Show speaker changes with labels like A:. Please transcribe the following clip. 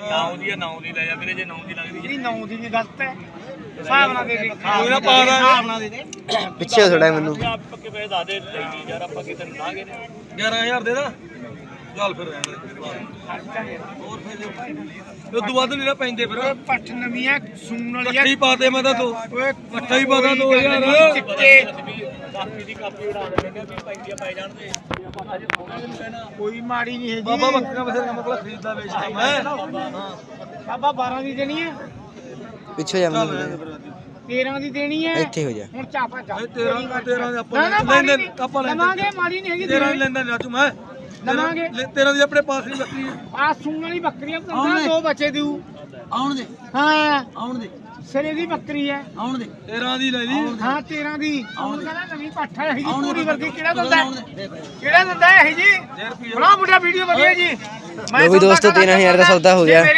A: 9 ਦੀ ਆ 9 ਦੀ ਲੈ ਜਾ ਵੀਰੇ ਜੇ 9 ਦੀ ਲੱਗਦੀ
B: ਇਹ 9 ਦੀ ਵੀ ਗਲਤ ਹੈ ਹਿਸਾਬ ਨਾਲ ਦੇ ਦੇ
A: ਕੋਈ ਨਾ ਪਾ ਦਾਂਗੇ।
B: ਹਿਸਾਬ ਨਾਲ ਦੇ ਦੇ
C: ਪਿੱਛੇ ਥੋੜਾ ਮੈਨੂੰ
A: ਆਪ ਪੱਕੇ ਪੈਸੇ ਦੱਸ ਦੇ ਲਈ ਨਹੀਂ ਯਾਰ ਆਪਾਂ ਕਿਤੇ ਲਾ ਗਏ ਨੇ
D: 11000 ਦੇ ਦਾ ਚੱਲ ਫਿਰ ਰਹਿਣ ਦੇ ਹੋਰ ਫਿਰ ਉਹ ਤੋਂ ਵੱਧ ਨਹੀਂ ਨਾ ਪੈਂਦੇ ਫਿਰ
B: ਓਏ ਪੱਠ ਨਵੀਆਂ ਸੂਣ ਵਾਲੀ
D: ਇਕੱਠੀ ਪਾ ਦੇ ਮੈਂ ਤਾਂ ਤੂੰ
B: ਓਏ
D: ਇਕੱਠਾ ਹੀ ਪਾ ਦਾਂ 2000
B: ਚਿੱਟੇ
A: ਕਾਪੀ ਦੀ ਕਾਪੀ ਉਡਾ ਦੇਣਗੇ ਵੀ ਪੈਂਦੀਆਂ ਪੈ ਜਾਣ ਤੇ ਆਪਾਂ ਅਜੇ ਥੋੜਾ ਜਿਹਾ ਕਹਿਣਾ
B: ਕੋਈ ਮਾੜੀ ਨਹੀਂ ਹੈ
D: ਬਾਬਾ
B: ਜੀ
D: ਬੱਕਰਾ ਬਸੇਰਾ ਮਕਲਾ ਖਰੀਦਦਾ ਵੇਚਦਾ ਮੈਂ
B: ਬਾਬਾ 12 ਦੀ ਦੇਣੀ ਹੈ
C: ਪਿੱਛੇ ਜਾ
D: ਚੱਲ
C: ਮੈਨੂੰ
B: 13 ਦੀ ਦੇਣੀ ਹੈ
C: ਇੱਥੇ ਹੋ ਜਾ
B: ਹੁਣ ਚਾਪਾ ਚਾ
D: 13 ਦੇ ਆਪਾਂ
B: ਨਾ
D: ਲੈਂਦੇ
B: ਮਾੜੀ
D: ਆਪਾਂ ਲੈਂਦੇ
B: ਲਵਾਂਗੇ ਮਾੜੀ ਨਹੀਂ ਹੈਗੀ
D: 13 ਲੈਂਦਾ ਰਾਜੂ ਮੈਂ
B: ਲਵਾਂਗੇ
D: 13 ਦੀ ਆਪਣੇ ਪਾਸ ਨਹੀਂ ਬੱਕਰੀ
B: ਆ ਸੂਣ ਵਾਲੀ ਬੱਕਰੀਆਂ ਪੰਦਰਾਂ ਦੋ ਬੱਚੇ ਦਿਉ
D: ਆਉਣ ਦੇ
B: ਹਾਂ
D: ਆਉਣ ਦੇ
B: ਸਿਰੇ ਦੀ ਬੱਕਰੀ ਹੈ
D: ਆਉਣ ਦੇ 13 ਦੀ ਲੈ ਲਈ
B: ਹਾਂ 13 ਦੀ ਹੁਣ ਕਹਿੰਦਾ ਨਵੀਂ ਪੱਠ ਹੈ ਇਹ ਜੀ ਪੂਰੀ ਵਰਗੀ ਕਿਹੜਾ ਦਿੰਦਾ ਹੈ? ਕਿਹੜਾ ਦਿੰਦਾ ਹੈ ਇਹ ਜੀ ਬਣਾ ਮੁੰਡਾ ਵੀਡੀਓ ਵਧੀਆ ਜੀ
C: ਲੋ ਵੀ ਦੋਸਤੋ 13,000 ਦਾ ਸੌਦਾ ਹੋ ਗਿਆ